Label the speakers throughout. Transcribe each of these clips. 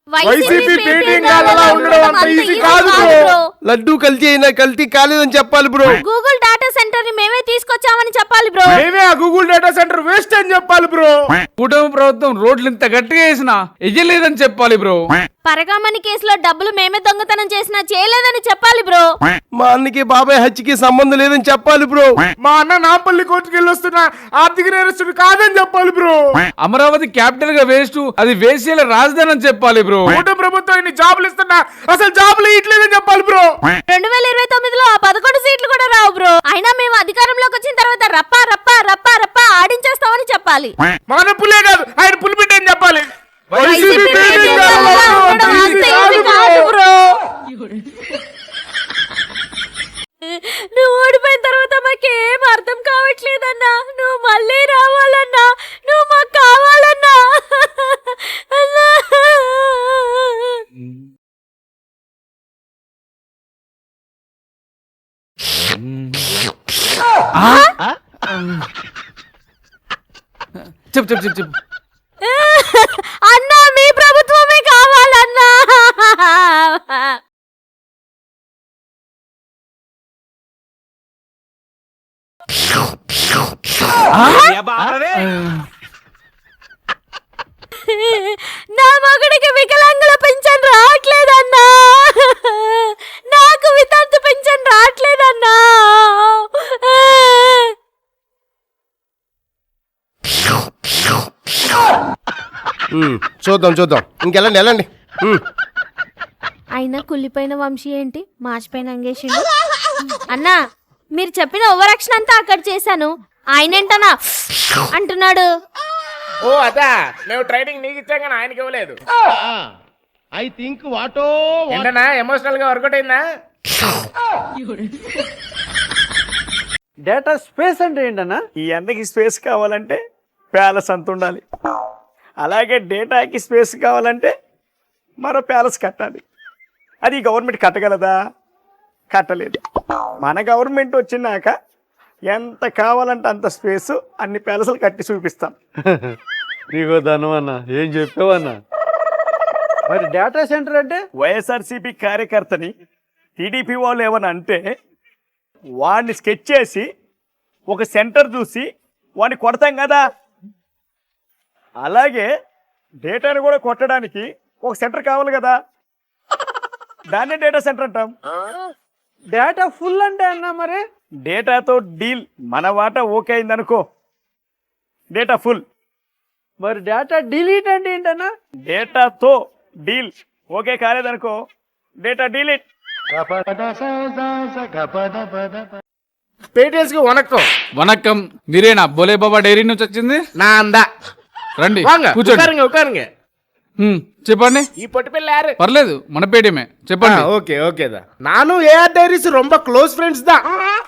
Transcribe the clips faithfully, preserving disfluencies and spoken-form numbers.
Speaker 1: YCP పేటింగ్ గాళ్ళలా ఉండడం అంత easy కాదు బ్రో.
Speaker 2: లడ్డు కల్తీ అయినా కల్తీ కాలేదని చెప్పాలి బ్రో.
Speaker 3: గూగుల్ డేటా సెంటర్ ని మేమే తీసుకొచ్చామని చెప్పాలి బ్రో.
Speaker 1: మేమే ఆ గూగుల్ డేటా సెంటర్ వేస్ట్ అని చెప్పాలి బ్రో.
Speaker 4: కూటమి ప్రభుత్వం రోడ్లు ఇంత గట్టిగా వేసినా ఎయ్యలేదని చెప్పాలి బ్రో.
Speaker 3: పరగామణి కేసులో డబ్బులు మేమే దొంగతనం చేసినా చేయలేదని చెప్పాలి బ్రో.
Speaker 2: మా అన్నకి బాబాయ్ హత్యకి సంబంధం లేదని చెప్పాలి బ్రో.
Speaker 1: మా అన్న నాంపల్లి కోర్టుకి వెళ్ళి వస్తున్న ఆర్థిక నేరస్తుడు కాదని చెప్పాలి బ్రో.
Speaker 4: అమరావతి క్యాపిటల్ గా వేస్ట్, అది వేసేల రాజధాని అని చెప్పాలి బ్రో.
Speaker 1: కూటమి ప్రభుత్వం ఇన్ని జాబులు ఇస్తున్నా అసలు జాబులు ఇట్లేదని చెప్పాలి బ్రో.
Speaker 3: రెండు వేల ఇరవై తొమ్మిదిలో ఆ పదకొండు సీట్లు కూడా రావు బ్రో. అయినా మేము అధికారంలోకి వచ్చిన తర్వాత రప్పా రప్పా రప్పా రప్పా ఆడించేస్తామని చెప్పాలి.
Speaker 1: మన పుల్లే కాదు ఆయన పులి బిడ్డ అని చెప్పాలి.
Speaker 3: వైసీపీ పేటింగ్ గాళ్ళలా ఉండడం అంత ఈజీ కాదు బ్రో. నువ్వు ఓడిపోయిన తర్వాత మాకేం అర్థం కావట్లేదన్నా. నువ్వు మళ్ళీ రావాలన్నా, నువ్వు మాకు కావాలన్నా. అన్నా
Speaker 4: చెప్పు చెప్పు చెప్పు చెప్పు
Speaker 3: అన్నా మీ ప్రభుత్వమే కావాలన్నా. నా మగుడికి వికలాంగుల పింఛన్ రావట్లేదన్నా. నాకు వితంతు పింఛన్ రావట్లేదన్నా.
Speaker 2: ఉమ్, చూద్దాం చూద్దాం ఇంకెళ్ళండి వెళ్ళండి. ఉమ్.
Speaker 3: అయినా కుళ్ళిపోయిన వంశీ ఏంటి మాసిపోయిన అంగేషిండు. అన్నా మీరు చెప్పిన ఓవరాక్షన్ అంతా అక్కడ చేశాను, ఆయనేంటనా అంటున్నాడు.
Speaker 1: ఓ అదా మేము ట్రైనింగ్ నీకు ఇచ్చాం కానీ ఆయనకి ఇవ్వలేదు.
Speaker 5: ఐ థింక్ వాటో
Speaker 1: ఏంటన్నా ఎమోషనల్ గా వర్కౌట్ అయిందా?
Speaker 5: డేటా స్పేస్ అంటే ఏంటన్నా?
Speaker 6: ఈ అందరికి స్పేస్ కావాలంటే ప్యాలెస్ అంత ఉండాలి. అలాగే డేటాకి స్పేస్ కావాలంటే మరో ప్యాలెస్ కట్టాలి. అది గవర్నమెంట్ కట్టగలదా? కట్టలేదు. మన గవర్నమెంట్ వచ్చినాక ఎంత కావాలంటే అంత స్పేస్ అన్ని ప్యాలెస్లు కట్టి చూపిస్తాం.
Speaker 5: నీకో ధనం అన్న, ఏం చెప్పావన్నా? మరి డేటా సెంటర్ అంటే
Speaker 6: వైఎస్ఆర్సీపీ కార్యకర్తని టీడీపీ వాళ్ళు ఏమని అంటే వాడిని స్కెచ్ చేసి ఒక సెంటర్ చూసి వాడిని కొడతాం కదా, అలాగే డేటాను కూడా కొట్టడానికి ఒక సెంటర్ కావాలి కదా, దాన్నే డేటా సెంటర్ అంటాం.
Speaker 5: డేటా ఫుల్ అంటే అన్నా మరి
Speaker 6: డేటాతో డీల్ మన వాటా ఓకే అయిందనుకో డేటా ఫుల్.
Speaker 5: మరి డేటా డిలీట్ అంటే ఏంటన్నా?
Speaker 6: డేటాతో డీల్ ఓకే కాలేదనుకో డేటా డిలీట్.
Speaker 1: పేటిఎస్ కి వనక్కం.
Speaker 4: వనక్కం, మీరేనా బోలే బాబా డైరీ నుంచి వచ్చింది?
Speaker 1: నా అందా
Speaker 4: రండి
Speaker 1: వాంగ
Speaker 4: కూర్చోండి.
Speaker 1: ఉకారంగ ఉకారంగ.
Speaker 4: హ్మ్, చెప్పండి.
Speaker 1: ఈ పొట్టి పిల్ల యారు?
Speaker 4: పర్లేదు, మన పేటిఎమే చెప్పండి.
Speaker 1: ఓకే ఓకే దా నాను ఏఆర్ డైరీస్ ரொம்ப క్లోజ్ ఫ్రెండ్స్ దా.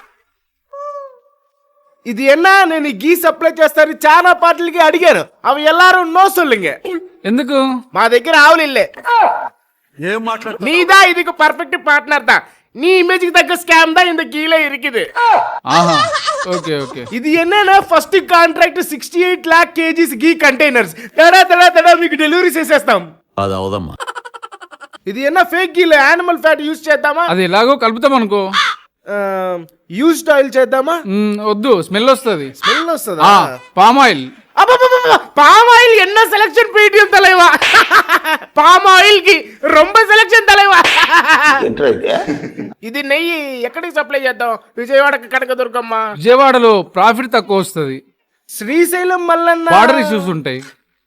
Speaker 1: ఇది ఎన్నా నేను గీ సప్లై చేస్తాను చాలా పార్టీలకి అడిగాను, అవి ఎల్లారు నో సొల్లుంగ.
Speaker 4: ఎందుకు?
Speaker 1: మా దగ్గర ఆవులు ఇల్లే ఏం మాట్లాడు నీదా ఇదికి పర్ఫెక్ట్ పార్ట్నర్ దా. நீ இமேஜுக்கு தக்க ஸ்கேம் தான் இந்த கீழே இருக்குது.
Speaker 4: ఆహా, ఓకే ఓకే.
Speaker 1: ఇది ఎన్నైనా first contract sixty eight lakh kgs ghee containers తడా తడా తడా మీకు డెలివరీ చేసేస్తాం.
Speaker 7: అది అవదమ్మా.
Speaker 1: ఇది ఎన్న ఫేక్ గీలో యానిమల్ ఫ్యాట్ యూజ్ చేద్దామా?
Speaker 4: అది ఎలాగో కలుపుతాం అనుకో.
Speaker 1: యూజ్డ్ ఆయిల్ చేద్దామా?
Speaker 4: మ్, వద్దు, స్మెల్ వస్తుంది.
Speaker 1: స్మెల్ వస్తుందా?
Speaker 4: Palm oil.
Speaker 1: பாம் ஆயில் என்ன செலக்ஷன் போயிட்டு தலைவா. பாம் ఆయిల్ కి ரொம்ப సెలక్షన్ தலைவா. ఇది నెయ్యి ఎక్కడికి సప్లై చేద్దాం? విజయవాడకి కనకదుర్గమ్మ.
Speaker 4: విజయవాడలో ప్రాఫిట్ తక్కువ వస్తుంది.
Speaker 1: శ్రీశైలం మల్లన్న
Speaker 4: బార్డర్ ఇష్యూస్ ఉంటాయి.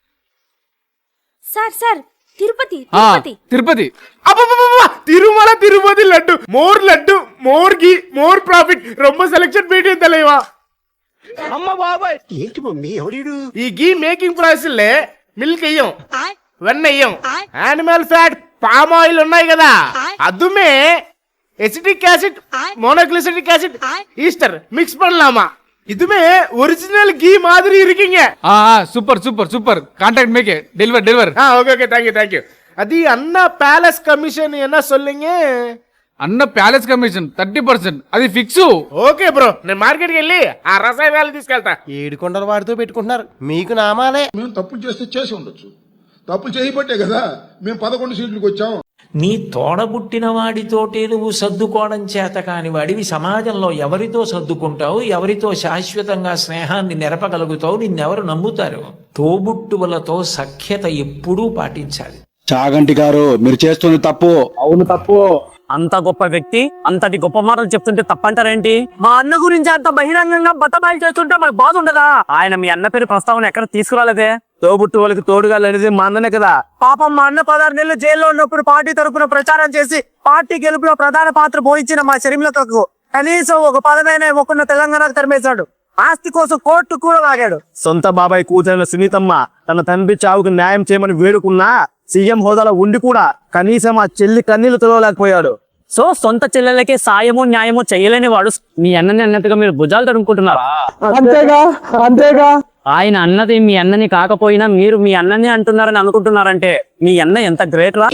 Speaker 3: సార్ సార్ తిరుపతి
Speaker 4: ఆ,
Speaker 3: తిరుపతి
Speaker 4: తిరుపతి.
Speaker 1: అబ్బబ్బబ్బబ్బ! Tirumala Tirupati laddu more laddu more ghee more profit ரொம்ப సెలక్షన్ పోయిட்டு தலைவா.
Speaker 5: అమ్మ బాబాయ్,
Speaker 1: ఈ గీ మేకింగ్ ప్రాసెస్ లే మిల్క్ అయ్యం, వెన్న అయ్యం, యానిమల్ ఫ్యాట్, పామ్ ఆయిల్ ఉన్నాయి కదా, அதுமே acetic acid, monoglyceric acid, ester mix பண்ணலாமா. இதுமே ஒரிஜினல் கீ மாதிரி இருக்கீங்க.
Speaker 4: ఆ, సూపర్ సూపర్ సూపర్. కాంటాక్ట్ మేకే డెలివర్ డెలివర్.
Speaker 1: ஆ ஓகே ஓகே தேங்க்யூ தேங்க்யூ. అది అన్న ప్యాలెస్ కమిషన్ என்ன சொல்லுங்க?
Speaker 4: అన్న ప్యాలెస్ కమిషన్ థర్టీ పర్సెంట్, అది ఫిక్స్.
Speaker 1: ఓకే బ్రో, నేను మార్కెట్కి వెళ్ళి ఆ రసాయనాలు తీసుకెళ్తా.
Speaker 2: ఏడు కొండల వాడితో పెట్టుకుంటున్నారు మీకు నామాలే.
Speaker 8: మేము తప్పులు చేస్తే చేసి ఉండొచ్చు,
Speaker 7: తప్పు చేయబట్టే కదా మేము పదకొండు సీట్లకు వచ్చాం.
Speaker 8: నీ తోడబుట్టిన వాడితోటే నువ్వు సర్దుకోవడం చేత కాని వాడివి సమాజంలో ఎవరితో సర్దుకుంటావు, ఎవరితో శాశ్వతంగా స్నేహాన్ని నెరపగలుగుతావు, నిన్నెవరు నమ్ముతారు? తోబుట్టువులతో సఖ్యత ఎప్పుడూ పాటించాలి.
Speaker 9: చాగంటి గారు మీరు చేస్తుంది తప్పు.
Speaker 10: అవును తప్పు. అంత గొప్ప వ్యక్తి అంతటి గొప్ప మాటలు చెప్తుంటే తప్పంటారేంటి? మా అన్న గురించి అంత బహిరంగంగా బతబాయిలు చేస్తుంటే మనకు బాధ ఉండదా? ఆయన మీ అన్న పేరు ప్రస్తావన ఎక్కడ తీసుకురాలేదే. తోబుట్టు వాళ్ళకి తోడుగా లేనిది మా అన్ననే కదా. పాపం మా అన్న పదహారు నెలలు జైల్లో ఉన్నప్పుడు పార్టీ తరపున ప్రచారం చేసి పార్టీ గెలుపులో ప్రధాన పాత్ర పోయించిన మా షర్మిలకకు కనీసం ఒక పదమైన ఇవ్వకుండా తెలంగాణకు తరిమేశాడు. ఆస్తి కోసం కోర్టు కూడా లాగాడు. సొంత బాబాయ్ కూతురైన సునీతమ్మ తన తండ్రి చావుకు న్యాయం చేయమని వేడుకున్నా సీఎం హోదాలో ఉండి కూడా కనీసం ఆ చెల్లి కన్నీళ్లు తొలగలేకపోయాడు. సో సొంత చెల్లెలకే సాయమో న్యాయమో చేయలేని వాడు మీ అన్నని అన్నట్టుగా మీరు భుజాలు తడుముకుంటున్నారా?
Speaker 6: అంతేగా అంతేగా
Speaker 10: ఆయన అన్నది మీ అన్నని కాకపోయినా మీరు మీ అన్నని అంటున్నారని అనుకుంటున్నారంటే మీ అన్న ఎంత గ్రేట్ రా.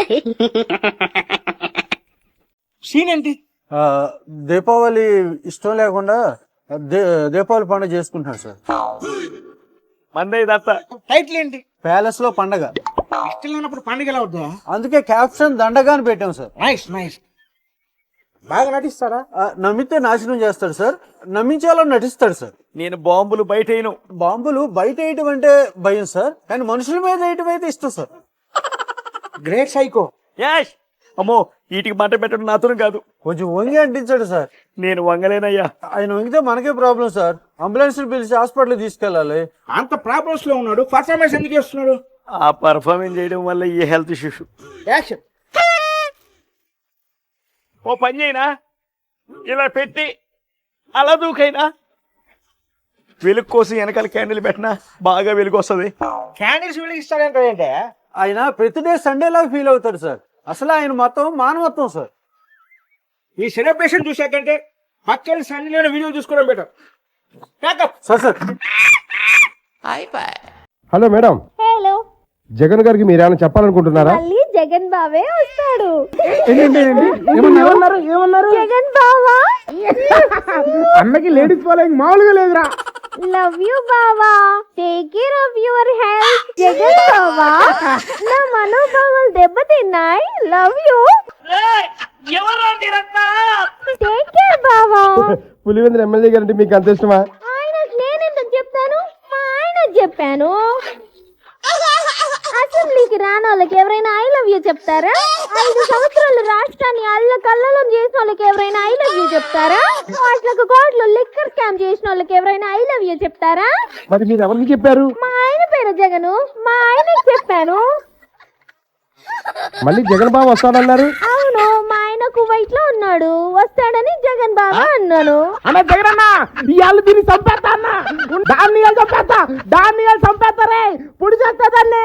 Speaker 6: సీన్ ఏంటి?
Speaker 5: దీపావళి ఇష్టం లేకుండా దీపావళి పండుగ చేసుకుంటున్నాడు సార్.
Speaker 6: మందే దత్త టైటిల్ ఏంటి?
Speaker 5: ప్యాలెస్ లో పండగ.
Speaker 6: ఇష్టం లేనప్పుడు పండుగ ఎలా అవుతుందా?
Speaker 5: అందుకే క్యాప్షన్ దండగా అని పెట్టాం సార్.
Speaker 6: Nice nice. బాగా నటిస్తారా?
Speaker 5: ఆ, నమ్మితే నాశనం చేస్తాడు సార్, నమ్మించాలని నటిస్తాడు సార్.
Speaker 6: నేను బాంబులు బయట వేయను.
Speaker 5: బాంబులు బయట వేయటం అంటే భయం సార్, కానీ మనుషుల మీద వేయటం అయితే ఇష్టం సార్.
Speaker 6: Great psycho. యాష్ అమ్మో వీటికి మంట పెట్టడం నాతో కాదు.
Speaker 5: కొంచెం వంగి అంటించాడు సార్.
Speaker 6: నేను వంగలేనయ్యా.
Speaker 5: ఆయన వంగితే మనకే ప్రాబ్లం సార్. అంబులెన్స్ పిలిచి హాస్పిటల్ తీసుకెళ్ళాలి.
Speaker 1: అంత ప్రాబ్లమ్స్ లో ఉన్నాడు, పర్ఫార్మెన్స్ ఎందుకు చేస్తున్నాడు?
Speaker 6: ఆ పర్ఫార్మెన్స్ చేయడం వల్ల ఈ హెల్త్ ఇష్యూస్.
Speaker 1: యాక్షన్.
Speaker 6: ఓ పని చేయనా, ఇలా పెట్టి అలా దూకైనా వెలుగు కోసం వెనకాల క్యాండిల్ పెట్టినా బాగా వెలుగు వస్తుంది.
Speaker 1: క్యాండిల్స్ వెలిగిస్తాడంటే
Speaker 5: ఆయన ప్రతి డే సండే లాగా ఫీల్ అవుతాడు సార్. అసలు ఆయన మొత్తం మానవత్వం సార్.
Speaker 1: ఈ సెలబ్రేషన్ చూసాకంటే పక్కన సన్నిలోనే వీడియో చూసుకోవడం better.
Speaker 5: Sir sir
Speaker 2: hello madam,
Speaker 3: hello,
Speaker 2: Jagan గారికి మీరు ఏమైనా చెప్పాలనుకుంటున్నారా?
Speaker 3: మళ్ళీ జగన్ బావే వస్తాడు.
Speaker 1: ఏమన్నారు ఏమన్నారు?
Speaker 3: జగన్ బావా
Speaker 1: అన్నకి లేడీస్ ఫాలోయింగ్ మామూలుగా లేదురా.
Speaker 3: లవ్ యూ బావా, take care of your health. Jagan బావా నా మనోభావాలు దెబ్బతిన్నాయి. లవ్ యూ, టేక్ కేర్ బావా.
Speaker 2: పులివెందుల ఎమ్మెల్యే గారంటే మీకు అంత ఇష్టమా?
Speaker 3: ఆయనకు నేనెందుకు చెప్తాను, మా ఆయనకు చెప్పాను. అసెంబ్లీకి రాని వాళ్ళకి ఎవరైనా ఐ లవ్ యూ చెప్తారా? ఐదు సంవత్సరాలు రాష్ట్రాన్ని అల్ల కల్లోలం చేసిన వాళ్ళకి ఎవరైనా ఐ లవ్ యూ చెప్తారా? కోట్లకు కోట్లు లిక్కర్ స్కామ్ చేసిన వాళ్ళకి ఎవరైనా ఐ లవ్ యూ చెప్తారా?
Speaker 2: మరి మీరు ఎవరికి చెప్పారు?
Speaker 3: మా ఆయన పేరు జగను, మా ఆయనకి చెప్పాను.
Speaker 2: మళ్ళీ జగన్ బాబు వస్తాడన్నారు.
Speaker 3: అవును, మా ఆయన కువైట్ లో ఉన్నాడు, వస్తాడని జగన్ బాబా అన్నాను.
Speaker 1: అన్న జగన్ అన్న ఇవాళ దీన్ని చంపేస్తా అన్న. దాన్ని చంపేస్తా, దాన్ని చంపేస్తారే పొడి చేస్తా దాన్ని.